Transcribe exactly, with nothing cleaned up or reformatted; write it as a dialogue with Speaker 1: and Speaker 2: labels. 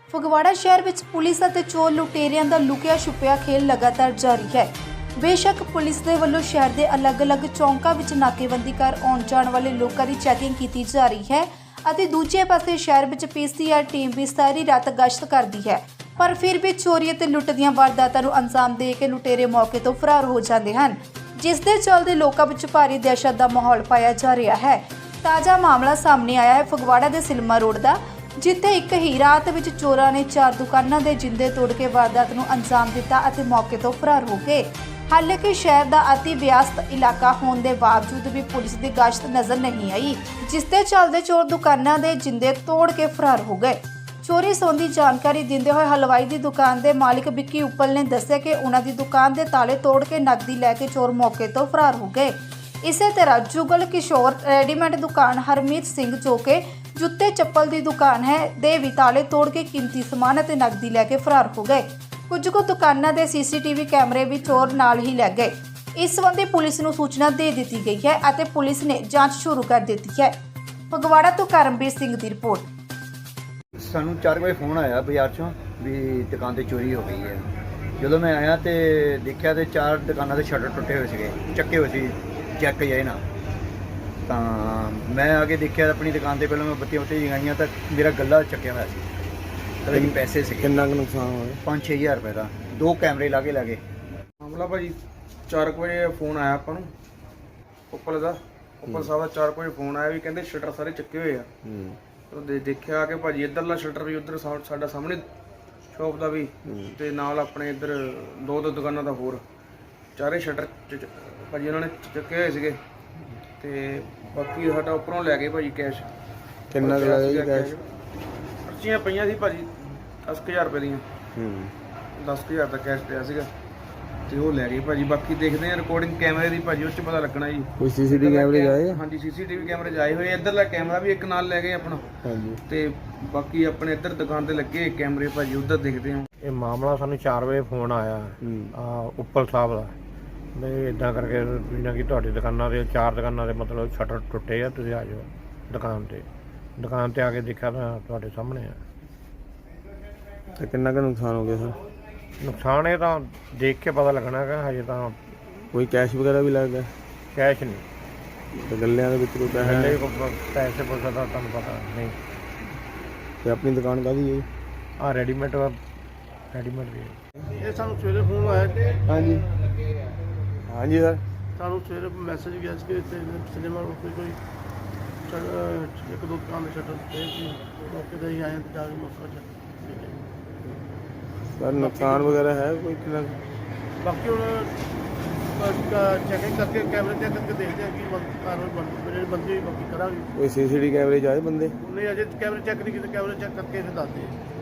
Speaker 1: ਫਗਵਾੜਾ ਸ਼ਹਿਰ ਵਿੱਚ ਪੁਲਿਸ ਅਤੇ ਚੋਰ ਲੁਟੇਰਿਆਂ ਦਾ ਲੁਕਿਆ ਛੁਪਿਆ ਖੇਲ ਲਗਾਤਾਰ ਜਾਰੀ ਹੈ। ਬੇਸ਼ੱਕ ਪੁਲਿਸ ਦੇ ਵੱਲੋਂ ਸ਼ਹਿਰ ਦੇ ਅਲੱਗ-ਅਲੱਗ ਚੌਂਕਾਂ ਵਿੱਚ ਨਾਕੇਬੰਦੀ ਕਰ ਆਉਣ ਜਾਣ ਵਾਲੇ ਲੋਕਾਂ ਦੀ ਚੈਕਿੰਗ ਕੀਤੀ ਜਾ ਰਹੀ ਹੈ ਅਤੇ ਦੂਜੇ ਪਾਸੇ ਸ਼ਹਿਰ ਵਿੱਚ ਪੀ ਸੀ ਆਰ ਟੀਮ ਵੀ ਸਾਰੀ ਰਾਤ ਗਸ਼ਤ ਕਰਦੀ ਹੈ, ਪਰ ਫਿਰ ਵੀ ਚੋਰੀ ਅਤੇ ਲੁੱਟ ਦੀਆਂ ਵਾਰਦਾਤਾਂ ਨੂੰ ਅੰਜਾਮ ਦੇ ਕੇ ਲੁਟੇਰੇ ਮੌਕੇ ਤੋਂ ਫਰਾਰ ਹੋ ਜਾਂਦੇ ਹਨ, ਜਿਸ ਦੇ ਚੱਲਦੇ ਲੋਕਾਂ ਵਿੱਚ ਭਾਰੀ ਦਹਿਸ਼ਤ ਦਾ ਮਾਹੌਲ ਪਾਇਆ ਜਾ ਰਿਹਾ ਹੈ। ਤਾਜ਼ਾ ਮਾਮਲਾ ਸਾਹਮਣੇ ਆਇਆ ਹੈ ਫਗਵਾੜਾ ਦੇ ਸਿਲਮਾ ਰੋਡ ਦਾ, ਜਿੱਥੇ ਇੱਕ ਹੀ ਰਾਤ ਵਿੱਚ ਚੋਰਾਂ ਨੇ ਚਾਰ ਦੁਕਾਨਾਂ ਦੇ ਜਿੰਦੇ ਤੋੜ ਕੇ ਵਾਰਦਾਤ ਨੂੰ ਅੰਜਾਮ ਦਿੱਤਾ ਅਤੇ ਮੌਕੇ ਤੋਂ ਫਰਾਰ ਹੋ ਗਏ। ਹਾਲਾਂਕਿ ਸ਼ਹਿਰ ਦਾ ਅਤੀ ਵਿਅਸਤ ਇਲਾਕਾ ਹੋਣ ਦੇ ਬਾਵਜੂਦ ਵੀ ਪੁਲਿਸ ਦੀ ਗਸ਼ਤ ਨਜ਼ਰ ਨਹੀਂ ਆਈ, ਜਿਸ ਦੇ ਚੱਲਦੇ ਚੋਰ ਦੁਕਾਨਾਂ ਦੇ ਜਿੰਦੇ ਤੋੜ ਕੇ ਫਰਾਰ ਹੋ ਗਏ। ਚੋਰੀ ਸੰਬੰਧੀ ਜਾਣਕਾਰੀ ਦਿੰਦੇ ਹੋਏ ਹਲਵਾਈ ਦੀ ਦੁਕਾਨ ਦੇ ਮਾਲਿਕ ਵਿੱਕੀ ਉੱਪਲ ਨੇ ਦੱਸਿਆ ਕਿ ਉਹਨਾਂ ਦੀ ਦੁਕਾਨ ਦੇ ਤਾਲੇ ਤੋੜ ਕੇ ਨਕਦੀ ਲੈ ਕੇ ਚੋਰ ਮੌਕੇ ਤੋਂ ਫਰਾਰ ਹੋ ਗਏ। ਇਸੇ ਤਰ੍ਹਾਂ ਜੁਗਲ ਕਿਸ਼ੋਰ ਰੈਡੀਮੇਡ ਦੁਕਾਨ ਹਰਮੀਤ ਸਿੰਘ ਜੋ ਕਿ ਜੁੱਤੇ ਚੱਪਲ ਦੀ ਦੁਕਾਨ ਹੈ ਦੇ ਵੀ ਤਾਲੇ ਤੋੜ ਕੇ ਕੀਮਤੀ ਸਮਾਨ ਅਤੇ ਨਕਦੀ ਲੈ ਕੇ ਫਰਾਰ ਹੋ ਗਏ। ਕੁਝ ਕੁ ਦੁਕਾਨਾਂ ਦੇ ਸੀ ਸੀ ਟੀ ਵੀ ਕੈਮਰੇ ਵੀ ਚੋਰ ਨਾਲ ਹੀ ਲੈ ਗਏ। ਇਸ ਸੰਬੰਧੀ ਪੁਲਿਸ ਨੂੰ ਸੂਚਨਾ ਦੇ ਦਿੱਤੀ ਗਈ ਹੈ ਅਤੇ ਪੁਲਿਸ ਨੇ ਜਾਂਚ ਸ਼ੁਰੂ ਕਰ ਦਿੱਤੀ ਹੈ। ਫਗਵਾੜਾ ਤੋਂ ਕਰਮਵੀਰ ਸਿੰਘ ਦੀ ਰਿਪੋਰਟ।
Speaker 2: ਸਾਨੂੰ ਚਾਰ ਵਜੇ ਫੋਨ ਆਇਆ ਬਾਜ਼ਾਰ ਚੋਂ ਵੀ ਦੁਕਾਨ ਤੇ ਚੋਰੀ ਹੋ ਗਈ ਹੈ। ਜਦੋਂ ਮੈਂ ਆਇਆ ਤੇ ਦੇਖਿਆ ਤੇ ਚਾਰ ਦੁਕਾਨਾਂ ਦੇ ਸ਼ਟਰ ਟੁੱਟੇ ਹੋਏ ਸੀਗੇ, ਚੱਕੇ ਹੋਏ ਸੀ ਚੈੱਕ ਜਾਏ ਨਾ। ਤਾਂ ਮੈਂ ਆ ਕੇ ਦੇਖਿਆ ਆਪਣੀ ਦੁਕਾਨ ਤੇ, ਪਹਿਲਾਂ ਮੈਂ ਬੱਤੀਆਂ ਬੱਤੀਆਂ ਜਗਾਈਆਂ ਤਾਂ ਮੇਰਾ ਗੱਲਾ ਚੱਕਿਆ ਹੋਇਆ ਸੀ, ਤੇ ਪੈਸੇ ਸੀ।
Speaker 3: ਕਿੰਨਾ ਕੁ ਨੁਕਸਾਨ ਹੋਇਆ?
Speaker 2: ਪੰਜ ਛੇ ਹਜ਼ਾਰ ਰੁਪਏ ਦਾ। ਦੋ ਕੈਮਰੇ ਲਾ ਕੇ ਲਾ ਗਏ।
Speaker 4: ਮਾਮਲਾ ਭਾਜੀ ਚਾਰ ਕੁ ਵਜੇ ਫੋਨ ਆਇਆ ਆਪਾਂ ਨੂੰ ਉੱਪਲ ਦਾ ਉੱਪਲ ਸਾਹਿਬ ਦਾ ਚਾਰ ਕੁ ਵਜੇ ਫੋਨ ਆਇਆ ਵੀ ਕਹਿੰਦੇ ਸ਼ਟਰ ਸਾਰੇ ਚੱਕੇ ਹੋਏ ਆ।
Speaker 3: ਹੂੰ
Speaker 4: ਉਹ ਦੇ ਦੇਖਿਆ ਕਿ ਭਾਜੀ ਇੱਧਰਲਾ ਸ਼ਟਰ ਵੀ ਉੱਧਰ ਸਾ- ਸਾਡਾ ਸਾਹਮਣੇ ਸ਼ੌਪ ਦਾ ਵੀ ਤੇ ਨਾਲ ਆਪਣੇ ਇੱਧਰ ਦੋ ਦੋ ਦੁਕਾਨਾਂ ਦਾ ਹੋਰ ਚਾਰੇ ਸ਼ਟਰ ਭਾਜੀ ਉਹਨਾਂ ਨੇ ਚੱਕੇ ਹੋਏ ਸੀਗੇ। ਤੇ ਬਾਕੀ ਸਾਡਾ ਉੱਪਰੋਂ ਲੈ ਗਏ ਭਾਜੀ ਕੈਸ਼।
Speaker 3: ਕਿੰਨਾ ਕੁ ਲੱਗਿਆ ਜੀ ਕੈਸ਼?
Speaker 4: ਪਰਚੀਆਂ ਪਈਆਂ ਸੀ ਭਾਜੀ ਦਸ ਕੁ ਹਜ਼ਾਰ ਰੁਪਏ ਦੀਆਂ।
Speaker 3: ਹੂੰ
Speaker 4: ਦਸ ਕੁ ਹਜ਼ਾਰ ਦਾ ਕੈਸ਼ ਪਿਆ ਸੀਗਾ ਤੇ ਉਹ ਲੈ ਗਏ ਭਾਜੀ। ਬਾਕੀ ਦੇਖਦੇ ਆ ਰਿਕਾਰਡਿੰਗ ਕੈਮਰੇ ਦੀ ਭਾਜੀ, ਉਸ 'ਚ ਪਤਾ ਲੱਗਣਾ ਜੀ।
Speaker 3: ਕੋਈ ਸੀ ਸੀ ਟੀ ਵੀ ਕੈਮਰੇ ਆਏ?
Speaker 4: ਹਾਂਜੀ ਸੀ ਸੀ ਟੀ ਵੀ ਕੈਮਰੇ ਜਾਏ ਹੋਏ। ਇੱਧਰਲਾ ਕੈਮਰਾ ਵੀ ਇੱਕ ਨਾਲ ਲੈ ਗਏ ਆਪਣਾ।
Speaker 3: ਹਾਂਜੀ।
Speaker 4: ਤੇ ਬਾਕੀ ਆਪਣੇ ਇੱਧਰ ਦੁਕਾਨ ਤੇ ਲੱਗੇ ਕੈਮਰੇ ਭਾਜੀ, ਉੱਧਰ ਦੇਖਦੇ ਆ।
Speaker 5: ਇਹ ਮਾਮਲਾ ਸਾਨੂੰ ਚਾਰ ਵਜੇ ਫੋਨ ਆਇਆ ਆ ਉੱਪਲ ਸਾਹਿਬ ਦਾ ਵੀ ਇਦਾਂ ਕਰਕੇ ਜਿੱਦਾਂ ਕਿ ਤੁਹਾਡੀ ਦੁਕਾਨਾਂ ਦੇ ਚਾਰ ਦੁਕਾਨਾਂ ਦੇ ਮਤਲਬ ਸ਼ਟਰ ਟੁੱਟੇ ਆ, ਤੁਸੀਂ ਆ ਜਾਓ ਦੁਕਾਨ ਤੇ। ਦੁਕਾਨ ਤੇ ਆ ਕੇ ਦੇਖਿਆ ਤਾਂ ਤੁਹਾਡੇ ਸਾਹਮਣੇ ਆ।
Speaker 3: ਤੇ ਕਿੰਨਾ ਕੁ ਨੁਕਸਾਨ ਹੋ ਗਿਆ ਸਰ?
Speaker 5: ਨੁਕਸਾਨ ਇਹ ਤਾਂ ਦੇਖ ਕੇ ਪਤਾ ਲੱਗਣਾ ਹੈਗਾ, ਹਜੇ ਤਾਂ
Speaker 3: ਕੋਈ ਕੈਸ਼ ਵਗੈਰਾ ਵੀ ਲੱਗ ਗਿਆ?
Speaker 5: ਕੈਸ਼ ਨਹੀਂ।
Speaker 3: ਤੇ ਗੱਲਿਆਂ ਦੇ ਵਿੱਚ ਕੋਈ ਪੈਸਾ
Speaker 5: ਪਹਿਲੇ
Speaker 3: ਹੈ?
Speaker 5: ਕੋਈ ਪੈਸੇ ਪੁੱਛਦਾ ਤਾਂ ਤੁਹਾਨੂੰ ਪਤਾ ਨਹੀਂ।
Speaker 3: ਤੇ ਆਪਣੀ ਦੁਕਾਨ ਕਾਹਦੀ ਹੈ?
Speaker 5: ਆ ਰੈਡੀਮੇਡ ਰੈਡੀਮੇਡ ਦੀ
Speaker 6: ਇਹ ਸਾਨੂੰ ਸਵੇਰੇ ਫੋਨ ਆਇਆ।
Speaker 3: ਹਾਂਜੀ ਹਾਂਜੀ ਸਰ।
Speaker 6: ਸਾਨੂੰ ਸਵੇਰੇ ਮੈਸੇਜ ਗਿਆ ਸੀ ਕਿ ਇੱਥੇ ਸਿਨੇਮਾ ਰੋਡ ਤੇ ਕੋਈ ਸ਼ਟ- ਇੱਕ ਦੋ ਦੁਕਾਨ ਦੇ ਸ਼ਟਰ ਤੇ ਸੀ। ਮੌਕੇ ਤੇ ਹੀ ਆਏ ਤੇ ਜਾ ਕੇ ਮੌਕਾ ਚੱਕ
Speaker 3: ਸਰ ਨੁਕਸਾਨ ਵਗੈਰਾ ਹੈ ਕੋਈ ਕਿੰਨਾ ਕੁ?
Speaker 6: ਬਾਕੀ ਹੁਣ ਚੈਕਿੰਗ ਕਰਕੇ ਕੈਮਰੇ ਚੈੱਕ ਕਰਕੇ ਦੇਖਦੇ ਆ ਕਿ ਕਾਰਵਾਈ ਬਣ ਜਿਹੜੇ ਬੰਦੇ ਬਾਕੀ ਕਰਾਂਗੇ।
Speaker 3: ਕੋਈ ਸੀ ਸੀ ਟੀ ਕੈਮਰੇ 'ਚ ਆਏ ਬੰਦੇ?
Speaker 6: ਉਹਨੇ ਅਜੇ ਕੈਮਰੇ ਚੈੱਕ ਨਹੀਂ ਕੀਤੇ, ਕੈਮਰੇ ਚੈੱਕ ਕਰਕੇ ਫਿਰ ਦੱਸਦੇ ਆ।